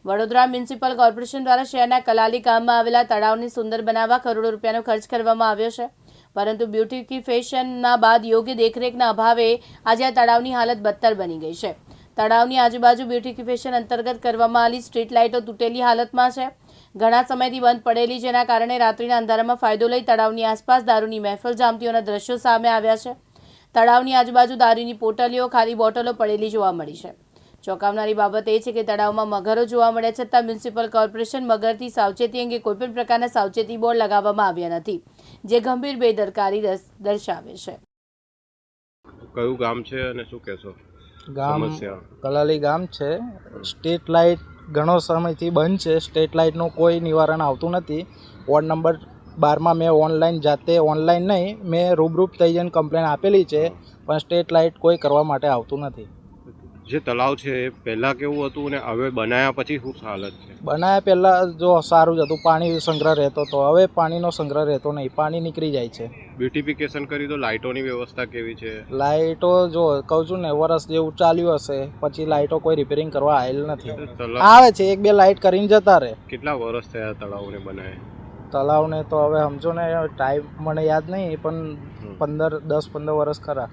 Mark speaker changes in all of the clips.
Speaker 1: Vadodara municipal corporation દ્વારા શહેરના કલાલી ગામમાં આવેલા તળાવને સુંદર બનાવવા કરોડો રૂપિયાનો ખર્ચ કરવામાં આવ્યો છે, પરંતુ બ્યુટિફિકેશનના બાદ યોગ્ય દેખરેખના અભાવે આજે આ તળાવની હાલત બદતર બની ગઈ છે. તળાવની આજુબાજુ બ્યુટિફિકેશન અંતર્ગત કરવામાં આવેલી સ્ટ્રીટ લાઇટો તૂટેલી હાલતમાં છે. ઘણા સમયથી બંધ પડેલી, જેના કારણે રાત્રિના અંધારામાં ફાયદો લઈ તળાવની આસપાસ દારૂની મહેફિલ જામતીઓના દ્રશ્યો સામે આવ્યા છે. તળાવની આજુબાજુ દારૂની પોટલીઓ, ખાલી બોટલો પડેલી જોવા મળી છે. ચોંકાવનારી બાબત એ છે કે તળાવમાં મગરો જોવા મળ્યા છતાં મ્યુનિસિપલ કોર્પોરેશન મગરથી સાવચેતી અંગે કોઈપણ પ્રકારના સાવચેતી બોર્ડ લગાવવામાં આવ્યા નથી, જે ગંભીર બેદરકારી દર્શાવે છે.
Speaker 2: કયું ગામ છે અને શું કહેશો?
Speaker 3: ગામ કલાલી ગામ છે. સ્ટ્રીટ લાઇટ ઘણો સમયથી બંધ છે. સ્ટ્રીટ લાઇટનું કોઈ નિવારણ આવતું નથી. વોર્ડ નંબર 12માં મેં ઓનલાઈન નહીં, મેં રૂબરૂપ થઈ જઈને કમ્પ્લેન આપેલી છે, પણ સ્ટ્રીટ લાઇટ કોઈ કરવા માટે આવતું નથી.
Speaker 2: જે તળાવ છે એ પહેલાં કેવું હતું અને હવે બનાવ્યા પછી શું હાલત છે?
Speaker 3: બનાવ્યા પહેલાં જો સારું જ હતું, પાણી સંગ્રહ રહેતો હતો. હવે પાણીનો સંગ્રહ રહેતો નહીં, પાણી નીકળી જાય છે.
Speaker 2: બ્યુટિફિકેશન કરી તો લાઇટોની વ્યવસ્થા કેવી છે?
Speaker 3: લાઇટો જો કહું છું ને, વરસ જેવું ચાલ્યું હશે, પછી લાઇટો કોઈ રિપેરિંગ કરવા આવેલ નથી. આવે છે, 1-2 લાઇટ કરીને જતા રહે.
Speaker 2: કેટલા વર્ષ થયા તળાવને બનાવે?
Speaker 3: તળાવને તો હવે સમજો ને, ટાઈમ મને યાદ નહીં, પણ 10-15 વર્ષ ખરા.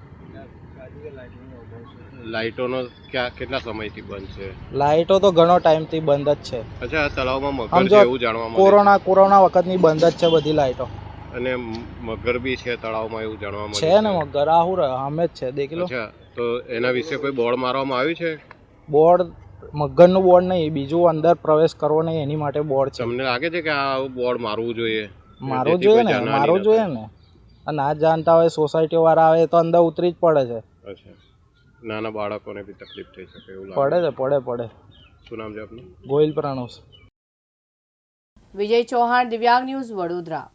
Speaker 2: લાઇટોનો કેટલા સમયથી બંધ છે?
Speaker 3: લાઇટો તો ઘણો ટાઈમથી બંધ જ છે.
Speaker 2: અચ્છા, તળાવમાં મગર છે એવું જાણવા
Speaker 3: મળે. કોરોના વખતની બંધ જ છે બધી લાઇટો.
Speaker 2: અને મગર બી છે તળાવમાં એવું જાણવા મળે
Speaker 3: છે ને. મગર આહુર અમે જ છે, દેખી લો.
Speaker 2: અચ્છા, તો એના વિશે કોઈ બોર્ડ મારવામાં આવ્યું છે?
Speaker 3: બોર્ડ મગરનું બોર્ડ નહીં, બીજું અંદર પ્રવેશ કરવો નહીં એની માટે બોર્ડ છે.
Speaker 2: તમને લાગે છે કે આ બોર્ડ મારવું જોઈએ?
Speaker 3: મારવું જોઈએ ને. ના જાણતા હોય સોસાયટી વાળા આવે તો અંદર ઉતરી જ પડે છે.
Speaker 2: અચ્છા, નાના બાળકોને બી તકલીફ થઈ શકે એવું
Speaker 3: પડે.
Speaker 2: શું નામ છે આપનું?
Speaker 3: ગોહિલ પ્રાણોસ.
Speaker 1: વિજય ચૌહાણ, દિવ્યાંગ ન્યૂઝ, વડોદરા.